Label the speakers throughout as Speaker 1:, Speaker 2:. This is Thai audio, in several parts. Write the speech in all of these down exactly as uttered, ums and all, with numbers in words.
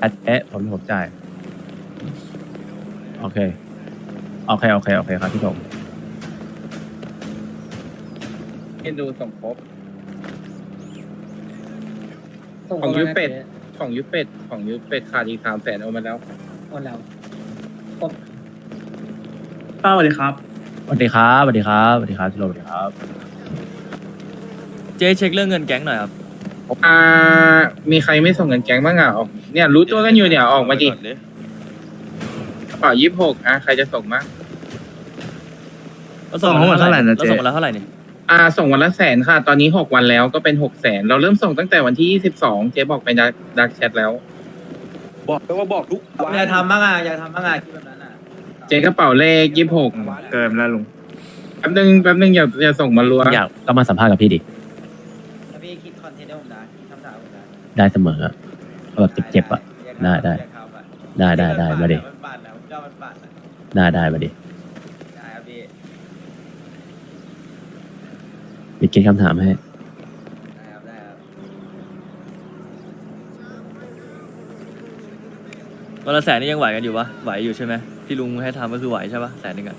Speaker 1: เอ๊ะผมผมจ่ายโอเคโอเคโอเคโอเคครับพี่ผม
Speaker 2: เอ็นดูส่งครบ
Speaker 3: ส่ง
Speaker 2: ของ
Speaker 3: เข้า
Speaker 2: ยู
Speaker 3: มา
Speaker 2: เป็ด
Speaker 3: นะจ๊
Speaker 2: ของยูเป็ดของยูเป็ดขาดอีกสามแสนเอามาแล้ว
Speaker 3: โอนแล้วครบ
Speaker 4: ป้าสวัสดีครับ
Speaker 1: สวัสดีครับสวัสดีครับสวัสดีครับพี่โรสวัสดีครับ
Speaker 5: เจ๊เช็คเรื่องเงินแก๊งหน่อยครับ
Speaker 2: อ่า มีใครไม่ส่งเงินแก๊งบ้างอ่ะออกเนี่ยรู้ตัวกันอยู่เนี่ยออกมาดิกระเป๋ายี่สิบหกอ่ะใครจะส่งมั้ง
Speaker 5: เราส่งมาแล้วเท่าไหร่นะเจ๊เราส่งมาแล้วเท่าไหร่นี่
Speaker 2: อ่า ส่งวันละแสนค่ะ ตอนนี้หกวันแล้วก็เป็นหกแสนเราเริ่มส่งตั้งแต่วันที่ยี่สิบสองเจ๊บอกไปดักดักแชทแล้ว
Speaker 6: บอกไปว่าบอกทุกวัน
Speaker 4: อย่าทำบ้างอ่ะอย่าทำบ้างอ่ะคิดแบบนั้นอ่ะ
Speaker 2: เจ๊กระเป๋าเลขยี่สิบหก
Speaker 6: เกินแล้วลุง
Speaker 2: แป๊บนึงแป๊บนึงอย่าอย่าส่งมารัว
Speaker 1: อยากก็มาสัมภาษณ์กับพี่ดิ
Speaker 4: แล้วพี่คิดคอนเทนต์ให้ผมได้คิดคำถามผมได้
Speaker 1: ได้เสมออะเอาแบบเจ็บๆอ่ะ ได้ได้ ได้ได้ได้มาดิ
Speaker 4: มันบาดแล้วเจ้ามันบาดแล้ว
Speaker 1: ได้ได้มาดิ
Speaker 4: ได้ครับพี่
Speaker 1: มีเกณฑ์คำถามให้
Speaker 4: ได้ครับได้ครับ
Speaker 5: วันละแสนนี่ยังไหวกันอยู่ปะไหวอยู่ใช่ไหมที่ลุงให้ทำก็คือไหวใช่ปะแสนหนึ่งอะ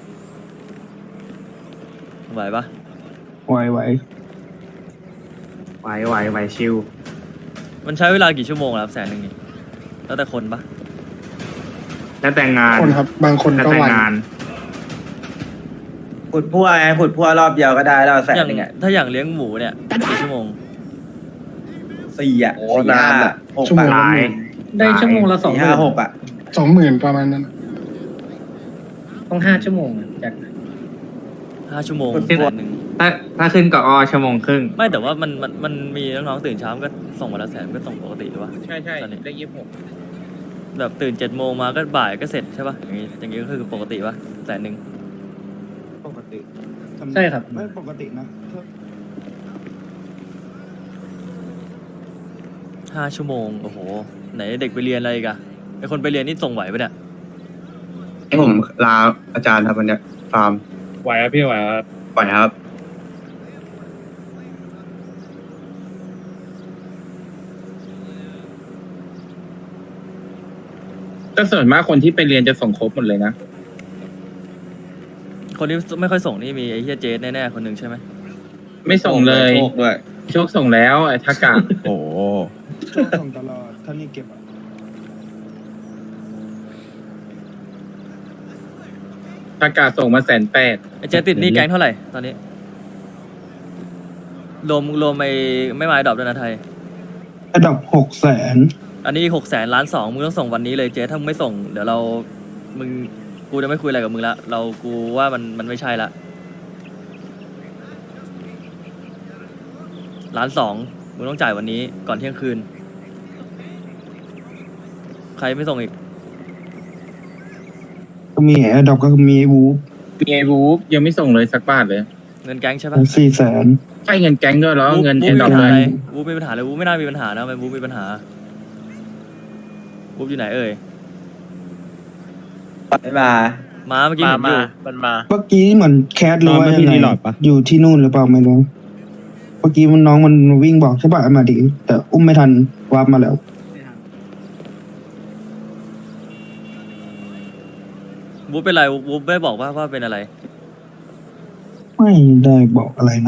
Speaker 5: ไหวปะ
Speaker 7: ไหวไหวไหวไหวไหวชิว
Speaker 5: มันใช้เวลากี่ชั่วโมงล่ะครับแสนหนึ่งนี่แล้วแต่คนปะ
Speaker 7: แล้วแต่งงาน
Speaker 8: คนครับบางคน
Speaker 7: แล้ว
Speaker 8: ก็
Speaker 7: แต่
Speaker 8: วัน
Speaker 7: งาน
Speaker 4: ผุดพั่วไงผุดพั่วรอบเดียวก็ได้แล้วแสน
Speaker 5: อย่าง
Speaker 4: หนึ่งอ่ะ
Speaker 5: ถ้าอย่างเลี้ยงหมูเนี่ยกี่ชั่วโมง
Speaker 4: สี่อ่ะ
Speaker 6: โอ้
Speaker 4: สี่
Speaker 6: นาน
Speaker 4: ห้า
Speaker 6: อะ
Speaker 4: หก
Speaker 8: ชั่วโมง
Speaker 4: อ่ะ
Speaker 8: ละห
Speaker 7: หลาย
Speaker 8: มื่น
Speaker 3: ได้ชั่วโมงละสอง
Speaker 4: สี่
Speaker 3: ห
Speaker 4: ห้า
Speaker 3: มื่น
Speaker 4: หกอ่ะ
Speaker 8: สองหมื่นประมาณนั้น
Speaker 3: ต้องห้าชั่วโมงอะจาก
Speaker 5: ห้าชั่วโมง
Speaker 4: คน
Speaker 5: แส
Speaker 4: ที่
Speaker 5: นหนึ่ง
Speaker 7: ถ้าถ้าขึ้นกับอชั่วโมงครึ่ง
Speaker 5: ไม่แต่ว่ามันมันมันมีน้องๆตื่นเช้าก็ส่งวันละแสนก็ส่งปกติหรือวะ
Speaker 2: ใช่ใช่
Speaker 5: ตอนนี้
Speaker 2: เลขยี่สิบหก
Speaker 5: แบบตื่นเจ็ดโมงมาก็บ่ายก็เสร็จใช่ปะอย่างงี้อย่างงี้ก็คือปกติปะแสนหนึ่ง
Speaker 7: ปกติ
Speaker 3: ใช่ครับ
Speaker 7: ไม่ปกตินะ
Speaker 5: ห้าชั่วโมงโอ้โหไหนเด็กไปเรียนอะไรอีกอะไอคนไปเรียนนี่ส่งไหวปะเนี่ย
Speaker 7: ให้ผมลาอาจารย์ครับวันเนี้ยฟาร์ม
Speaker 2: ไหวครับพี่ไหวครับ
Speaker 7: ปล่อยครับ
Speaker 2: ก็ส่วนมากคนที่ไปเรียนจะส่งครบหมดเลยนะ
Speaker 5: คนที่ไม่ค่อยส่งนี่มีไอ้เฮียเจสแน่ๆคนหนึ่งใช่ไหม
Speaker 2: ไม่ส่งเลย
Speaker 6: โชคด้วย
Speaker 2: โชคส่งแล้วไอ้ทักกะ
Speaker 1: โอ้
Speaker 7: ส่งตลอดถ้านี่เก็บอ่ะ
Speaker 2: ทักกะส่งมาแสนแปด
Speaker 5: ไอ้เจสติดหนี่แก๊งเท่าไหร่ตอนนี้รวมรวมไอ้ไม่มาดรอปด้วยนะไทย
Speaker 7: ระดับหกแสน
Speaker 5: อันนี้หกแสนล้านสองมึงต้องส่งวันนี้เลยเจสถ้ามึงไม่ส่งเดี๋ยวเรามึงกูจะไม่คุยอะไรกับมึงละเรากูว่ามันมันไม่ใช่ละล้านสองมึงต้องจ่ายวันนี้ก่อนเที่ยงคืน ใครไม่ส่งอีก
Speaker 7: ก็มีแอร์ดอกก็มีวูฟ
Speaker 2: มีไอ้วูฟยังไม่ส่งเลยสักบาทเลย
Speaker 5: เงินแก๊งใช่ปะ
Speaker 7: สี่แสน
Speaker 2: ใช่เงินแก๊งด้วยแล้ว
Speaker 5: วูฟ
Speaker 2: เงิน
Speaker 5: วู
Speaker 2: เอ็
Speaker 5: ฟ
Speaker 2: น
Speaker 5: มี
Speaker 2: ดอ
Speaker 5: ปั
Speaker 2: ป
Speaker 5: ญหา
Speaker 2: เล
Speaker 5: อะไร
Speaker 2: ย
Speaker 5: วูฟมีปัญหาเลยวูฟไม่น่ามีปัญหานะมันวูฟมีปัญหาวูฟอยู่ไหนเอ่ย
Speaker 4: ไม่มา
Speaker 5: มาเมื่อกี้เห็นอยู่
Speaker 1: มันมา
Speaker 7: เมื่อกี้เหมือนแคทหรือว่ายังไงอยู่ที่นู่นหรือเปล่าไม่รู้เมื่อกี้มันน้องมันวิ่งบอกใช่ป่ะมาดิแต่อุ้มไม่ทันวาร์ปมาแล้ว
Speaker 5: วูฟเป็นไรวูฟไม่บอกว่าว่าเป็นอะไร
Speaker 7: ไม่ได้บอกอะไรนะ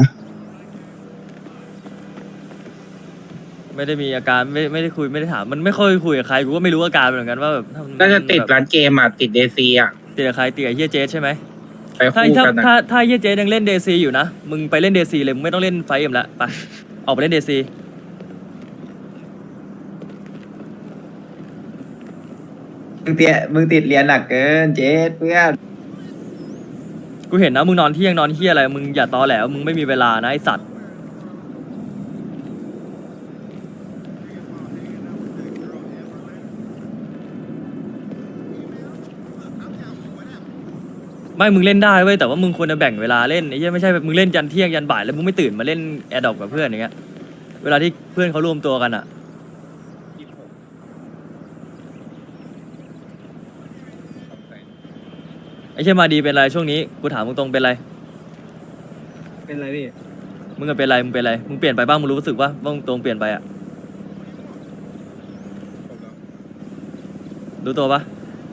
Speaker 5: ไม่ได้มีอาการไม่ไม่ได้คุยไม่ได้ถามมันไม่ค่อยคุยกับใครกูก็ไม่รู้อาการเหมือนกันว่าแบบถ้ามัน
Speaker 2: น่าจะติด
Speaker 5: แบบ
Speaker 2: ร้านเกมอ่ะติดเดซีอ่ะ
Speaker 5: ติดกับใครติดกับเฮียเจสใช่ไหม
Speaker 2: ไป
Speaker 5: ถ้า
Speaker 2: คู่
Speaker 5: ถ้า
Speaker 2: กันนะ
Speaker 5: ถ้าถ้าเฮียเจสยังเล่นเดซีอยู่นะมึงไปเล่นเดซีเลยมึงไม่ต้องเล่นไฟเอ็มละไปออกไปเล่นเดซี
Speaker 4: มึงเตี้ยมึงติดเรียนหนักเกินเจ๊เพื่อน
Speaker 5: กูเห็นนะมึงนอนเที่ยงนอนเฮียอะไรมึงอย่าตอแหลวมึงไม่มีเวลานะไอสัตว์ไม่มึงเล่นได้เว้ยแต่ว่ามึงควรจะแบ่งเวลาเล่นไอ้เหี้ยไม่ใช่แบบมึงเล่นยันเที่ยงยันบ่ายแล้วมึงไม่ตื่นมาเล่นแอร์ดรอปกับเพื่อนอย่างเงี้ยเวลาที่เพื่อนเขารวมตัวกันอ่ะไอ้เชี่ยมาดีเป็นไรช่วงนี้กูถามมึงตรงเป็นไร
Speaker 4: เป็นไรพี่
Speaker 5: มึงอะเป็นไรมึงเป็นไรมึงเปลี่ยนไปบ้างมึงรู้สึกว่าว่ามึงตรงเปลี่ยนไปอ่ะรู้ตัวปะ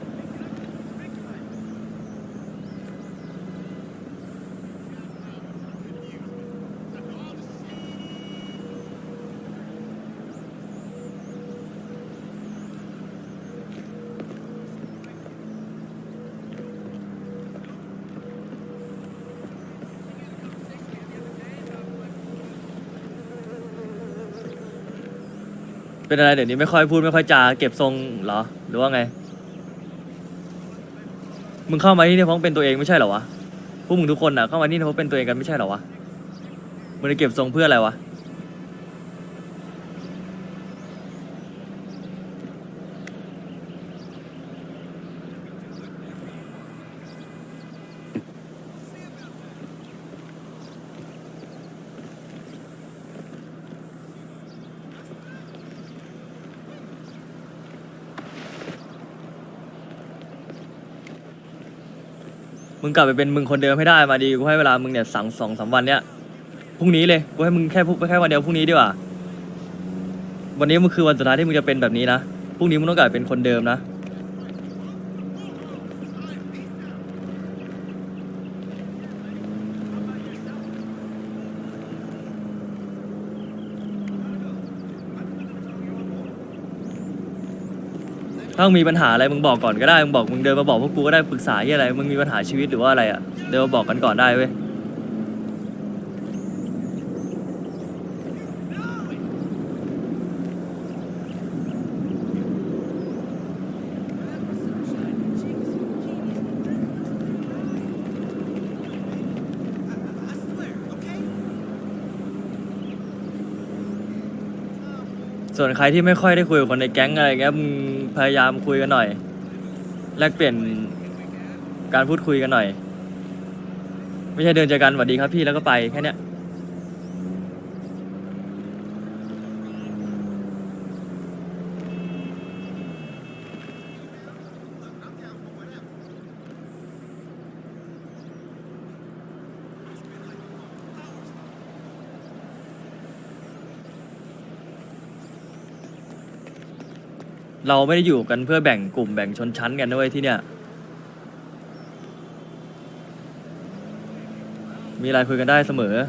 Speaker 5: เป็นอะไรเดี๋ยวนี้ไม่ค่อยพูดไม่ค่อยจาเก็บทรงเหรอหรือว่าไงมึงเข้ามาที่นี่เพราะเป็นตัวเองไม่ใช่เหรอวะพวกมึงทุกคนอ่ะเข้ามาที่นี่เพราะเป็นตัวเองกันไม่ใช่เหรอวะมึงจะเก็บทรงเพื่ออะไรวะมึงกลับไปเป็นมึงคนเดิมให้ได้มาดีกูให้เวลามึงเนี่ยสั่งสองสามวันเนี้ยพรุ่งนี้เลยกูให้มึงแค่พูดแค่วันเดียวพรุ่งนี้ดีกว่าวันนี้มันคือวันสุดท้ายที่มึงจะเป็นแบบนี้นะพรุ่งนี้มึงต้องกลับไปเป็นคนเดิมนะถ้ามึงมีปัญหาอะไรมึงบอกก่อนก็ได้มึงบอกมึงเดินมาบอกพวกกูก็ได้ปรึกษาที่อะไรมึงมีปัญหาชีวิตหรือว่าอะไรอ่ะเดินมาบอกกันก่อนได้เว้ยส่วนใครที่ไม่ค่อยได้คุยกับคนในแก๊งอะไรเงี้ยมึงพยายามคุยกันหน่อยแลกเปลี่ยนการพูดคุยกันหน่อยไม่ใช่เดินเจอกันสวัสดีครับพี่แล้วก็ไปแค่เนี้ยเราไม่ได้อยู่กันเพื่อแบ่งกลุ่มแบ่งชนชั้นกันด้วยที่เนี่ยมีอะไรคุยกันได้เสมอ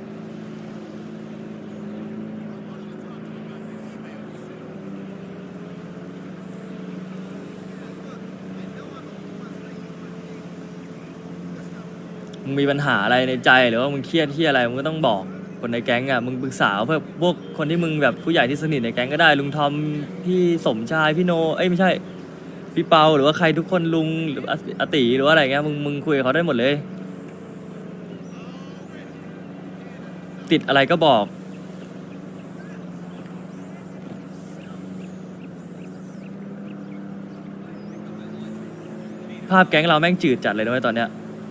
Speaker 5: มึงมีปัญหาอะไรในใจหรือว่ามึงเครียดที่อะไรมึงก็ต้องบอกคนในแก๊งอ่ะมึงปรึกษาเพื่อพวกคนที่มึงแบบผู้ใหญ่ที่สนิทในแก๊งก็ได้ลุงทอมพี่สมชายพี่โนเอ้ยไม่ใช่พี่เปาหรือว่าใครทุกคนลุงหรืออาติหรือว่าอะไรเงี้ยมึงมึงคุยกับเขาได้หมดเลยติดอะไรก็บอกภาพแก๊งเราแม่งจืดจัดเลยนะเว้ยตอนเนี้ย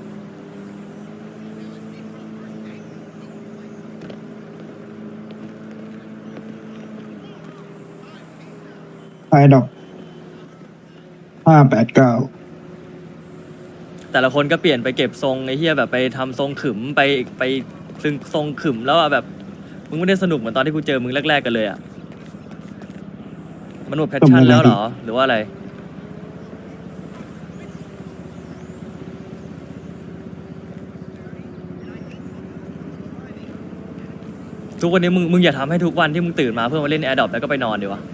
Speaker 7: ไอดอกห้าแปดเก้า
Speaker 5: แต่ละคนก็เปลี่ยนไปเก็บทรงไอ้เหี้ยแบบไปทำทรงขึมไปไปซึ่งทรงขึมแล้วอะแบบมึงไม่ได้สนุกเหมือนตอนที่กูเจอมึงแรกๆกันเลยอะมันหมดแพชชั่นแล้วเหรอหรือว่าอะไรทุกวันนี้มึงมึงอย่าทำให้ทุกวันที่มึงตื่นมาเพื่อมาเล่นแอร์ดรอปแล้วก็ไปนอนดีวะ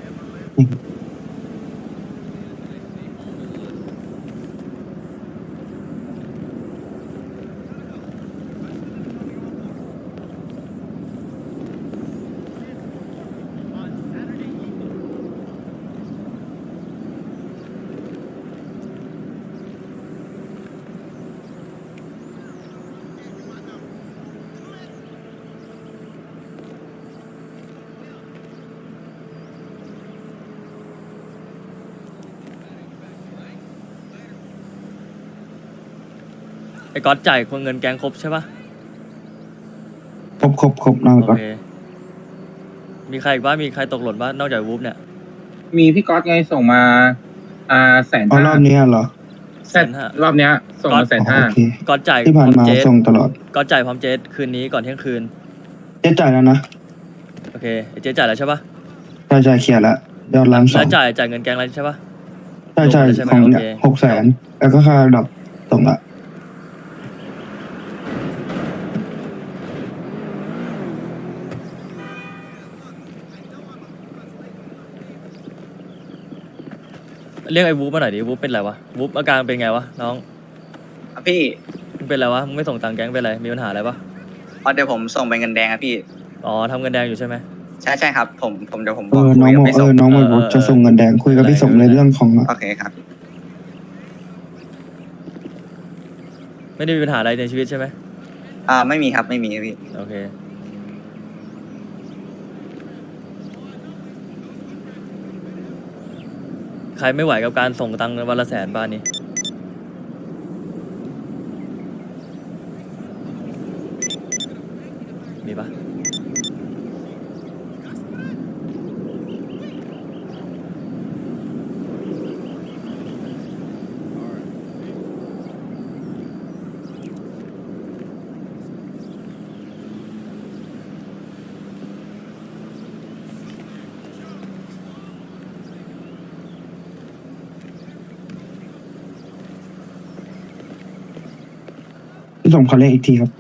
Speaker 5: ไอ้ก๊อตจ่ายคนเงินแกงครบใช่ปะ
Speaker 7: ครบครบครบนอน
Speaker 5: โอ
Speaker 7: ก่อน
Speaker 5: เคมีใครอีกบ้างมีใครตกหล่นบ้างนอกจากวูฟเนี่ย
Speaker 2: มีพี่ก๊อตไงส่งมา อ่าแสน
Speaker 7: อ๋อ
Speaker 2: ห้าร
Speaker 7: อบนี้เหรอ
Speaker 2: แสนรอบเนี้ย ส่งมาแสน
Speaker 7: อ๋อ
Speaker 2: ห้า
Speaker 7: โอเค
Speaker 5: ก๊อตจ่ายพ
Speaker 7: ที่
Speaker 5: ร้
Speaker 7: ผ่า
Speaker 5: อน ม
Speaker 7: มา
Speaker 5: เจส
Speaker 7: ส่งตลอด
Speaker 5: ก๊อตจ่ายพร้อมเจสคืนนี้ก่อนเที่ยงคืน
Speaker 7: เจ๊จ่ายแล้วนะ
Speaker 5: โอเคไอ้เจสจ่ายแล้วใช่ปะ
Speaker 7: จ่ายจ่ายเคลียร์แล้วยอดล้านสอ
Speaker 5: แล้
Speaker 7: ง
Speaker 5: วจ่ายจ่ายเงินแกงแล้วใช่ปะ
Speaker 7: จใช่ใช่
Speaker 5: ลงไปแล้วใช่ไหม
Speaker 7: ของ
Speaker 5: โอ
Speaker 7: เนี่ย
Speaker 5: เค
Speaker 7: หกแสนแล้วก็ค่าดอกส่งละ
Speaker 5: เรียกไอ้วูฟมาหน่อยดิวูฟเป็นไรวะวูฟอาการเป็นไงวะน้อง
Speaker 4: ครับพี่
Speaker 5: มึงเป็นไรวะมึงไม่ส่งตังค์แก๊งเป็นไรมีปัญหาอะไรปะ
Speaker 4: อ๋อเดี๋ยวผมส่งไปเงินแดงครับพี่
Speaker 5: อ๋อทำเงินแดงอยู่ใช่ไหม
Speaker 4: ใช่ใช่ครับ ผมผมเดี๋ยวผมบ
Speaker 7: เอ
Speaker 4: อก
Speaker 7: อน้อง
Speaker 4: คุย
Speaker 7: บอก
Speaker 4: กับพี่
Speaker 7: เอ
Speaker 4: ส่ง
Speaker 7: อน้องบอก
Speaker 5: เออเออ
Speaker 7: จะส่งเงินแดงคุยกับพี่ส่งในเรื่องของ
Speaker 4: โอเคครับ
Speaker 5: ไม่ได้มีปัญหาอะไรในชีวิตใช่ไหม
Speaker 4: อ่าไม่มีครับไม่มีครับพี่
Speaker 5: โอเคใครไม่ไหวกับการส่งตังค์วันละแสนบ้านนี้มีปะ
Speaker 7: พี่ส่งขอเลขอีกทีครับ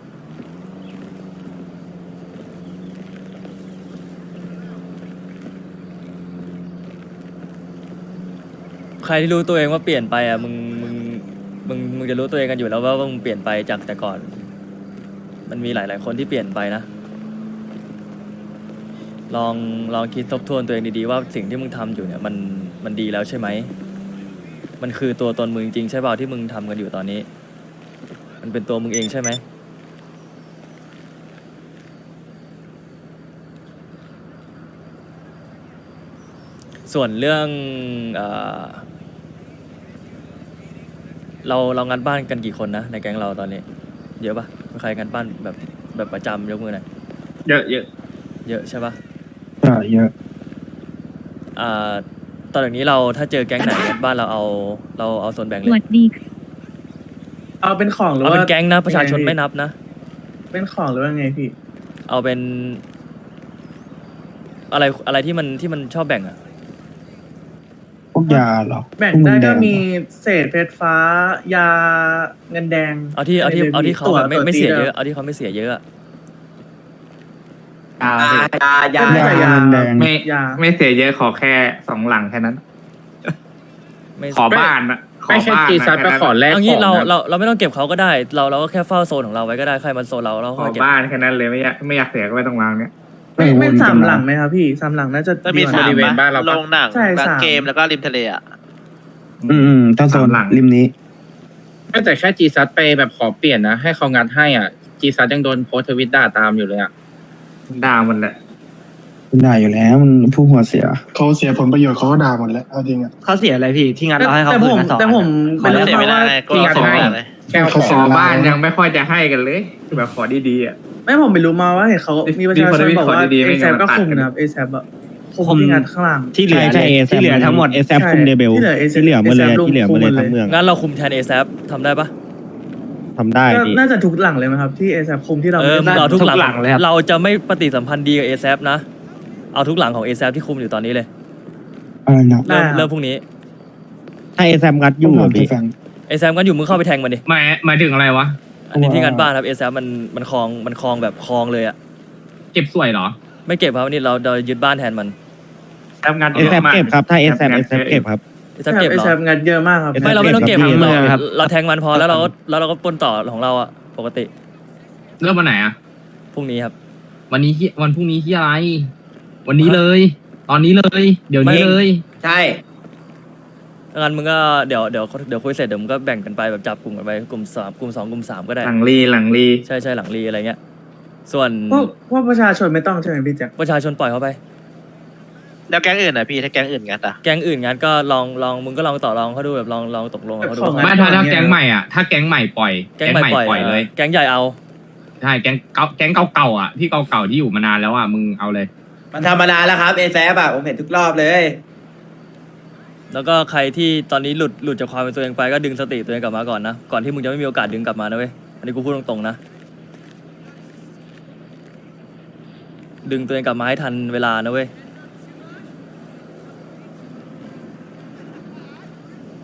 Speaker 5: ใครที่รู้ตัวเองว่าเปลี่ยนไปอ่ะมึงมึงมึงมึงจะรู้ตัวเองกันอยู่แล้วว่าว่ามึงเปลี่ยนไปจากแต่ก่อน มันมีหลาย ๆ คนที่เปลี่ยนไปนะ ลองลองคิดทบทวนตัวเองดีๆว่าสิ่งที่มึงทำอยู่เนี่ยมันมันดีแล้วใช่ไหม มันคือตัวตนมึงจริงใช่เปล่าที่มึงทำกันอยู่ตอนนี้ มันเป็นตัวมึงเองใช่ไหม ส่วนเรื่องเออเราเรางานบ้านกันกี่คนนะในแก๊งเราตอนนี้ เยอะปะมีใครงานบ้านแบบแบบประจำยกมือหน่อย
Speaker 2: เยอะเยอะ
Speaker 5: เยอะใช่ปะ
Speaker 7: ใช่เยอะ
Speaker 5: อ่าตอนนี้เราถ้าเจอแก๊งไหนงานบ้านเราเอาเราเอาส่วนแบ่งเล
Speaker 8: สวั
Speaker 5: ย
Speaker 8: สดีค่ะ
Speaker 3: เอาเป็นของหรือ
Speaker 5: เอา
Speaker 3: ว่า
Speaker 5: เป็นแก๊งนะประชาชน
Speaker 3: ยังง
Speaker 5: ไม่
Speaker 3: พี่
Speaker 5: นับนะ
Speaker 3: เป็นของหรือว่าไงพี่
Speaker 5: เอาเป็น อะไรอะไรที่มันที่มันชอบแบ่งอะ
Speaker 7: พวกยาเหรอ
Speaker 3: แบ่ง
Speaker 7: พว
Speaker 3: ได้
Speaker 7: เน
Speaker 3: ก็
Speaker 7: แด
Speaker 3: มีเศษเพชรฟ้ายาเงินแดง
Speaker 5: เอาที่เอาที่
Speaker 3: ะไรลย
Speaker 5: เอาที่เขา
Speaker 3: ตั๋ว
Speaker 5: แบบไม่
Speaker 3: ตั๋ว
Speaker 5: ไม่เสีย
Speaker 3: ตี
Speaker 5: เย
Speaker 3: ด้
Speaker 5: อะเอาที่เขาไม่เสียเยอะอะ
Speaker 6: ยาย
Speaker 4: ายา
Speaker 3: ไม่
Speaker 7: ยา
Speaker 3: ใช่ยา
Speaker 7: เงินแดง
Speaker 6: ไม่
Speaker 3: ยา
Speaker 6: ไม่เสียเยอะขอแค่สองหลังแค่นั้น
Speaker 5: ไม่
Speaker 6: ขอบ้านนะขอ
Speaker 2: ไม่ใช่
Speaker 6: บ้าน
Speaker 2: จี
Speaker 6: นะ
Speaker 2: ซัดไป
Speaker 6: แค่นั้น
Speaker 2: ขอแลก
Speaker 5: เอา
Speaker 2: ข
Speaker 5: งี้
Speaker 2: อง
Speaker 5: เรา
Speaker 2: นะ
Speaker 5: เราเราไม่ต้องเก็บเขาก็ได้ เราเราก็แค่เฝ้าโซนของเราไว้ก็ได้ใครมันโซนเราเรา
Speaker 6: ขอ
Speaker 5: ค่อยเก็บ
Speaker 6: บ้านแค่นั้นเลยไม่อยากไม่อยากเสียก็ไม่ต้องวางเนี่ย
Speaker 3: ไม่
Speaker 7: เออ
Speaker 3: ไม่
Speaker 7: วนกัน
Speaker 3: สาม
Speaker 7: มา
Speaker 3: หลังไหมครับพี่สามหลังน่าจะ
Speaker 9: จะมี
Speaker 3: ดีกว่า
Speaker 9: สาม
Speaker 2: บริเวณบ้านเราปะ
Speaker 9: โรงหนัง
Speaker 3: ใช่
Speaker 9: ร้าน
Speaker 3: สาม
Speaker 9: เกมแล้วก็ริมทะเลอ่ะ
Speaker 7: อืมอืมถ้าโซน
Speaker 6: สามหลัง
Speaker 7: ริมนี้
Speaker 2: ไม่แต่แค่จีซัดไปแบบขอเปลี่ยนนะ ให้เขางัดให้อ่ะจีซัดยังโดนโพสต์ทวิตด่าตามอยู่เลยอ่ะ
Speaker 6: ด่าหมดแหละ
Speaker 7: มันได้อยู่แล้วมันผู้หัวเสีย
Speaker 10: เขาเสียผลประโยชน์เขาก็ด่าหมดแล้วเอาจริงอ่ะ
Speaker 11: เขาเสียอะไรพี่ที่งาน
Speaker 3: แต่
Speaker 11: เราให้เขา
Speaker 3: แต่
Speaker 11: คื
Speaker 3: ผ
Speaker 11: น
Speaker 3: ม
Speaker 11: มาสอง
Speaker 3: แต่ผม
Speaker 9: ขอ
Speaker 3: ไม่
Speaker 9: เสี
Speaker 3: รู้
Speaker 9: ย
Speaker 3: เพ
Speaker 9: ไม่
Speaker 3: ราะ
Speaker 9: ได้
Speaker 3: ว่า
Speaker 9: ก็
Speaker 2: ที่งัด
Speaker 9: ขอ
Speaker 2: ให้
Speaker 9: เลย
Speaker 2: แค่เอา
Speaker 10: เขา
Speaker 2: ข
Speaker 10: เสี
Speaker 2: อย ง
Speaker 6: ขอบ้านยังไม่ค่อยจะให้กันเลย แบบขอดีๆอ่ะ
Speaker 3: ไม่ผมไม่รู้มาว่าเห็นเขามีประชาชนบอกว่า
Speaker 6: ดีๆไม่
Speaker 3: เอ
Speaker 6: งั้
Speaker 3: แซ
Speaker 6: น
Speaker 3: ก็
Speaker 6: มันตัด
Speaker 3: คุม
Speaker 6: กัน
Speaker 3: นะครับเอแซอะคุมที่งานข้างล่าง
Speaker 11: ที่เหลือ
Speaker 7: ใช่ใช่
Speaker 11: เลยที่เหลือทั้งหมด
Speaker 3: ใช่ที่เหลือ ASAP ที่เหลือหมดเลยที่เหลือหมดเลยทั้งเมือง
Speaker 5: งั้นเราคุมแทน เอ แซป ทำได้ปะ
Speaker 11: ทำได้
Speaker 3: ก็
Speaker 11: พี่
Speaker 3: น่าจะทุกหลังเลยไหมครับที่เอแซคุมที่เรา
Speaker 5: เออมึง
Speaker 3: ไม่ได้
Speaker 5: เอาทุกหลัง
Speaker 11: ทุกหลังเลยครับ
Speaker 5: เราจะไม่ปฏิสัมพันธ์ดีกับ เอ แซป นะ เอาทุกหลังของ เอ แซป ที่คุมอยู่ตอนนี้เลย
Speaker 7: อะไรนะ
Speaker 5: เริ่มเริ่มพรุ่งนี้
Speaker 11: ถ้าเอแซมงัดอยู่
Speaker 7: ต้องถาม
Speaker 11: อะพี่
Speaker 7: แฟน
Speaker 5: เอ แซป ก็อยู่มึงเข้าไปแทงมันดิ
Speaker 6: หมายหมายถึงอะไรวะ
Speaker 5: อันนี้ที่
Speaker 7: ว่า
Speaker 5: งานบ้านครับ เอ แซป มันมันคลองมันคลองแบบคลองเลยอะ
Speaker 6: เก็บสวยเหรอ
Speaker 5: ไม่เก็บครับนี่เราเรายึดบ้านแทนมัน
Speaker 6: ทำงาน
Speaker 11: เอแซมเก็บครับถ้าเอแซมเอแซมเก็บครับ
Speaker 5: เอ แซป เก็บ
Speaker 3: เอ
Speaker 5: เหรอ
Speaker 3: แซงานเยอะมากครับ
Speaker 5: ไม่เราไม่ต้องเก็บ
Speaker 11: เก็บ
Speaker 5: เรา
Speaker 11: ครับ
Speaker 5: เราแทงมันพอแล้วเราก็แล้วเราก็ปล้นต่อของเราอะปกติ
Speaker 6: เริ่มวันไหนอ่ะ
Speaker 5: พรุ่งนี้ครับ
Speaker 6: วันนี้ที่วันพรุ่งนี้ที่อะไร วันนี้เลย ตอนนี้เลย เดี๋ยวนี้
Speaker 5: ไม่
Speaker 6: เลย
Speaker 4: ใช่
Speaker 5: งั้นมึงก็เดี๋ยวเดี๋ยวเดี๋ยวคุยเสร็จเดี๋ยวมึงก็แบ่งกันไปแบบจับกลุ่มกันไปกลุ่มสามกลุ่มสองกลุ่มสามก็ได้
Speaker 6: หลังรีหลังรี
Speaker 5: ใช่ใช่หลังรีอะไรเงี้ย ส่วน
Speaker 3: พวกพวกประชาชนไม่ต้องใช่ไหมพี่แจ็ค
Speaker 5: ประชาชนปล่อยเขาไป
Speaker 9: แล้วแก๊งอื่นอ่ะพี่ถ้าแก๊งอื่นงัดอ่ะ
Speaker 5: แก๊งอื่นงั้นก็ลองลองมึงก็ลองต่อรองเขาดูแบบลองลองตกลงกับเขาดู
Speaker 6: ไม่ถ้าถ้าแก๊งใหม่อ่ะ ถ้าแก๊งใหม่ปล่อย
Speaker 5: แก๊งใหม่ปล่อย
Speaker 6: เลย
Speaker 5: แก๊งใหญ่เอา
Speaker 6: ใช่แก๊งเก่าแก๊งเก่าๆอ่ะที่เก่าๆที่อยู่มานานแล้วอ่ะมึงเอาเลย
Speaker 4: มันธรรมดาแล้วครับเอแซบอะผมเห็นทุกรอบเลย
Speaker 5: แล้วก็ใครที่ตอนนี้หลุดหลุดจากความเป็นตัวเองไปก็ดึงสติตัวเองกลับมาก่อนนะก่อนที่มึงจะไม่มีโอกาสดึงกลับมานะเว้ยอันนี้กูพูดตรงๆนะดึงตัวเองกลับมาให้ทันเวลานะเว้ย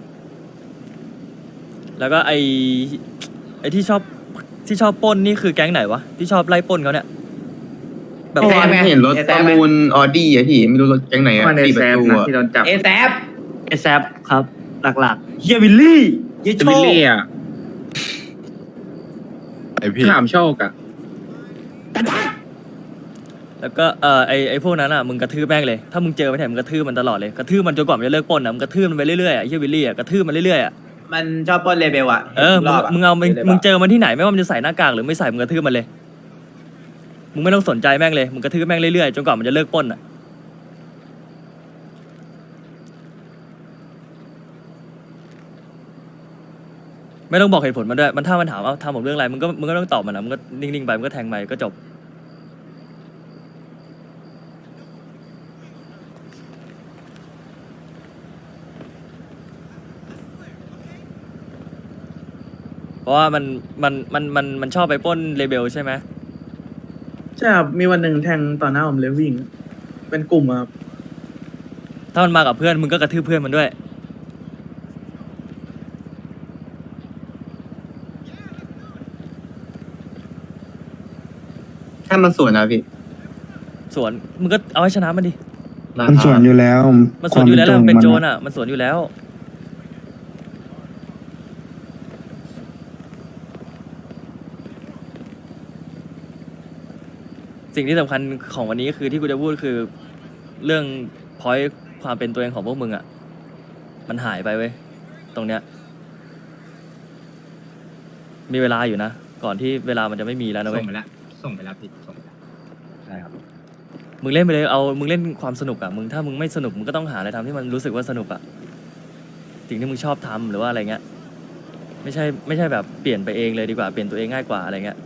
Speaker 5: แล้วก็ไอไอที่ชอบที่ชอบปล้นนี่คือแก๊งไหนวะที่ชอบไล่ปล้นเขาเนี่ยแบบ
Speaker 2: เมื่อวานเห็นรถประมูล
Speaker 4: ออดี้อะพี่ไม่รู้รถแก๊งไหนอะ
Speaker 2: ในแซมนะที่โดนจับ
Speaker 4: เอแซฟ
Speaker 11: เอแซปครับ หลักๆเฮียวิลลี่เฮียโช
Speaker 2: วิล
Speaker 11: ค
Speaker 2: ลี่อ่ะ
Speaker 8: ไอพี่
Speaker 2: ถามโชคอ่ะ
Speaker 5: แล้วก็เออไอไอพวกนั้นอ่ะมึงกระทืบแม่งเลยถ้ามึงเจอไม่แถมมึงกระทืบมันตลอดเลยกระทืบมันจนกว่ามันจะเลิกปล้นอ่ะมึงกระทืบมันไปเรื่อยๆอ่ะไอ้เฮียวิลลี่อ่ะกระทืบมันเรื่อยๆอ่ะ
Speaker 4: มันชอบปล้นเลเบลอะ
Speaker 5: เออ
Speaker 4: ร
Speaker 5: มึง
Speaker 4: อบะ
Speaker 5: มึงเอามึง
Speaker 4: ลย
Speaker 5: มึง
Speaker 4: ปะ
Speaker 5: เจอมันที่ไหนไม่ว่ามันจะใส่หน้ากากหรือไม่ใส่มึงกระทืบมันเลยมึงไม่ต้องสนใจแม่งเลยมึงกระทืบแม่งเรื่อยๆจนกว่ามันจะเลิกปล้นอ่ะไม่ต้องบอกเหตุผลมันด้วยมันถ้ามันถามว่าทำผมเรื่องอะไรมึงก็มึงก็ต้องตอบมันนะมึงก็นิ่งๆไปมึงก็แทงไปก็จบเพราะว่ามันมันมันมันมันชอบไปปล้นเลเบลใช่ไหม
Speaker 3: ใช่ครับมีวันหนึ่งแทงต่อหน้าผมเลยวิ่ง เป็นกลุ่มครับ
Speaker 5: ถ้ามันมากับเพื่อนมึงก็กระทืบเพื่อนมันด้วย
Speaker 2: ถ้ามันสวนนะพี่
Speaker 5: สวนมึงก็เอาให้ชนะมันดิ
Speaker 7: มันสวนอยู่แล้ว
Speaker 5: มันสวนอยู่แล้วแหละมันเป็นโจร
Speaker 7: อะ
Speaker 5: อ่ะมันสวนอยู่แล้ว สิ่งที่สำคัญของวันนี้ก็คือที่กูจะพูดคือเรื่องพอยความเป็นตัวเองของพวกมึงอ่ะมันหายไปเว้ยตรงเนี้ยมีเวลาอยู่นะก่อนที่เวลามันจะไม่มีแล้วนะ
Speaker 6: ส่
Speaker 5: เว้
Speaker 6: ง
Speaker 5: ย
Speaker 6: ไปแล้วส่งไปแล้วพี่ส่งไปแล้ว
Speaker 1: ใช่ครับ
Speaker 5: มึงเล่นไปเลยเอามึงเล่นความสนุกอ่ะมึงถ้ามึงไม่สนุกมึงก็ต้องหาอะไรทำที่มันรู้สึกว่าสนุกอ่ะสิ่งที่มึงชอบทำหรือว่าอะไรเงี้ยไม่ใช่ไม่ใช่แบบเปลี่ยนไปเองเลยดีกว่าเปลี่ยนตัวเองง่ายกว่าอะไรเงี้ย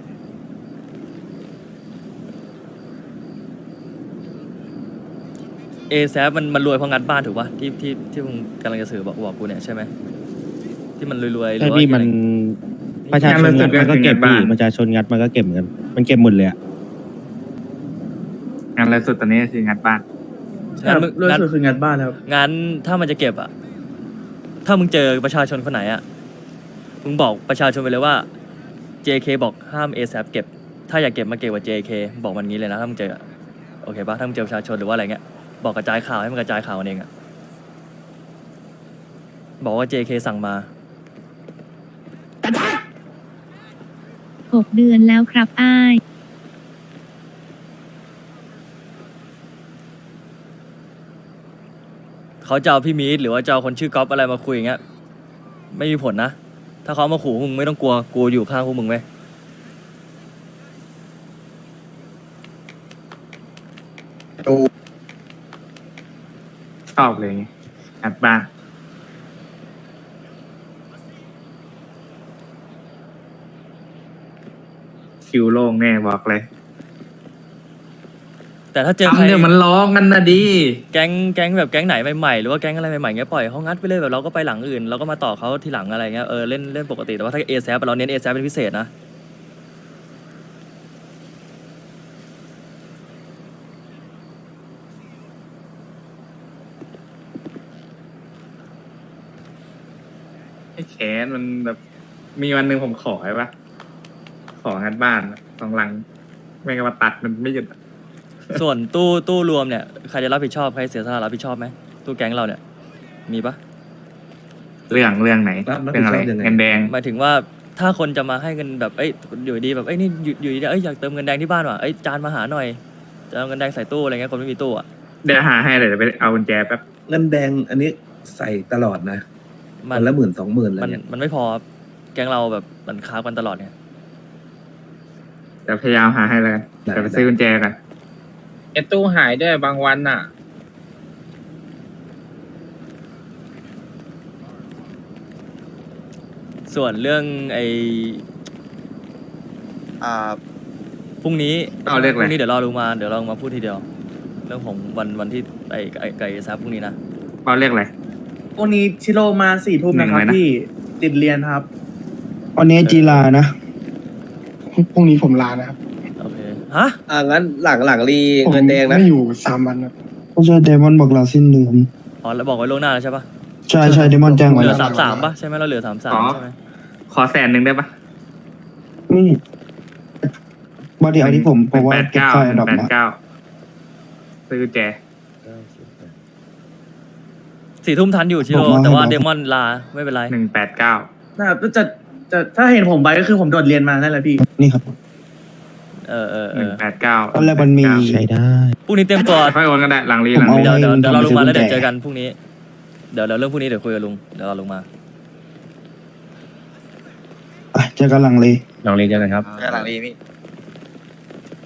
Speaker 5: เอแซฟมันมันรวยเพราะงัดบ้านถูกปะที่ที่ที่มึงกำลังจะสื่อบอกบอกกูเนี่ยใช่ไหมที่มันรวยๆหรื
Speaker 11: ใช่
Speaker 5: อว่า
Speaker 11: พี่มัน
Speaker 5: อะไร
Speaker 11: ประชาชนงัดมันก็เก็บพี่ประชาชนงัดมันก็เก็บเหมือนกันมันเก็บหมดเลยอะ
Speaker 2: งานล่าสุดตอนนี้คืองานบ้าน
Speaker 5: งั้นมึง
Speaker 3: รวย
Speaker 5: งั้น
Speaker 3: สุดคืองานบ้านครับ
Speaker 5: งั้นถ้ามันจะเก็บอ่ะถ้ามึงเจอประชาชนคนไหนอ่ะมึงบอกประชาชนไปเลยว่า เจ เค บอกห้าม เอ แซป เก็บถ้าอยากเก็บมาเก็บกับ เจ เค บอกมันงี้เลยนะถ้ามึงเจออะโอเคปะถ้ามึงเจอประชาชนหรือว่าอะไรเงี้ยบอกกระจายข่าวให้มันกระจายข่าวกันเองอ่ะบอกว่า เจ เค สั่งมา
Speaker 12: หกเดือนแล้วครับอ้าย
Speaker 5: เขาจะเอาพี่มีดหรือว่าจะเอาคนชื่อก๊อฟอะไรมาคุยอย่างเงี้ยไม่มีผลนะถ้าเขามาขู่มึงไม่ต้องกลัวกูอยู่ข้างพวกมึงไหม
Speaker 2: ชอบเลยงานบ้านคิวโล่งแน่บอกเลย
Speaker 5: แต่ถ้าเจอใคร
Speaker 6: ทำเนี่ยมันร้องกันนะดี
Speaker 5: แก๊งแก๊งแบบแก๊งไหนใหม่ๆหรือว่าแก๊งอะไรใหม่ๆเงี้ยปล่อยเขางัดไปเลยแบบเราก็ไปหลังอื่นเราก็มาต่อเขาทีหลังอะไรเงี้ยเออเล่นเล่นปกติแต่ว่าถ้าเอแซฟเราเน้นเอแซฟเป็นพิเศษนะ
Speaker 2: ไอ้แขนมันแบบมีวันหนึ่งผมขอไอ้ปะของานบ้านสองหลังไม่งั้นมาตัดมันไม่หยุด
Speaker 5: ส่วนตู้ตู้รวมเนี่ยใครจะรับผิดชอบใครเสียสละรับผิดชอบไหมตู้แก๊งเราเนี่ยมีปะ
Speaker 2: เรื่องเรื่องไหนเรื่องอะไรเงินแดง
Speaker 5: หมายถึงว่าถ้าคนจะมาให้เงินแบบเอ้ยอยู่ดีแบบเอ้ยนี่อยู่อยู่ดีเอ้ยอยากเติมเงินแดงที่บ้านว่ะเอ้ยจานมาหาหน่อยจะเอาเงินแดงใส่ตู้อะไรเงี้ยคนไม่มีตู้อ่ะ
Speaker 2: เดี๋ยวหาให้เลยเดี๋ยวไปเอากุญแจแป๊บ
Speaker 8: เงินแดงอันนี้ใส่ตลอดนะ
Speaker 5: มั
Speaker 8: วันละหมื่นสองหมื่นอะไร
Speaker 5: มัน
Speaker 8: เงี้ย
Speaker 5: มันไม่พอครับแก๊งเราแบบมันค้ากันตลอดเนี่ย
Speaker 2: เดี๋ยวพยายามหาให้เลยเดี๋ยวไปซื้อกุญแจกันไอ้ตู้หายด้วยบางวันน่ะ
Speaker 5: ส่วนเรื่องไอ้
Speaker 9: อ่า
Speaker 5: พรุ่งนี้
Speaker 2: เอาเรียก
Speaker 5: พ
Speaker 2: อะไร
Speaker 5: รุ่งนี้เดี๋ยวรอดูมาเดี๋ยวเรามาพูดทีเดียว เรื่องของวันวันที่ไอ้ไอ้ไก่ซับพรุ่งนี้นะ
Speaker 2: เขาเรียกอะไร
Speaker 3: วันนี้ชิโร่มาสี่ทุ่มนะครับ
Speaker 2: หนึ่งเลยนะ
Speaker 3: พี่ติดเรียนครับ
Speaker 7: วันนี้จีลานะ
Speaker 10: พรุ่งนี้ผมลานะครับ
Speaker 5: โอเคฮะ
Speaker 4: อ่างั้นหลังหลังรี
Speaker 10: ผม
Speaker 4: เงินแดงนะ
Speaker 10: ไม่อยู่สามวันครับ
Speaker 7: ก็ใช่เดมอนบอกลาสิ้นเดือน
Speaker 5: อ๋อแล้วบอกไว้ล่วงหน้าแล้วใช่ปะ
Speaker 7: ใช่ใช่เดมอนแจ้งไว้
Speaker 5: เหลื
Speaker 7: แล้
Speaker 5: อ
Speaker 7: ว
Speaker 5: สามสามป่ะใช่ไหมเราเหลือสามสามใช่ไหม
Speaker 2: ขอแสนหนึ่งได้ปะ
Speaker 7: อืมบอดี้เอาที่ผมเพราะว่าเก็บค่าดอกมา
Speaker 2: ซื้อแจ
Speaker 5: สี่ทุ่มทันอยู่ชิโร่แต่ว่าเดมอนลาไม่เป็นไร
Speaker 2: หนึ่งแปดเก้า
Speaker 3: นะครับจะจะถ้าเห็นผมไปก็คือผมโดดเรียนมานั่นแหละพี่
Speaker 7: นี่ครับ
Speaker 5: เออเออเอ
Speaker 2: หนึ่ง
Speaker 5: อ
Speaker 2: แปดเก้า
Speaker 7: ตอนแรกมันมี
Speaker 11: ใช้ได้
Speaker 5: พรุ่งนี้เตรียมตัว
Speaker 2: ค่อยโอนก็ได้หลังรี
Speaker 7: ผม
Speaker 2: หลัง
Speaker 7: เอา
Speaker 2: รี
Speaker 5: เดี๋ยวเดี๋ยวเดี๋ยวเราลงมาแล้ว
Speaker 7: ให้
Speaker 5: เดี๋ยว
Speaker 7: มัน
Speaker 5: เจอกันพรุ่งนี้เดี๋ยวเดี๋ยวเรื่องพรุ่งนี้เดี๋ยวคุยกับลุงเดี๋ยวเราลงมา
Speaker 7: อ่ะเจอกันหลังเลย
Speaker 1: ลองเรียนเจอกันครับ
Speaker 9: หลังรีพี่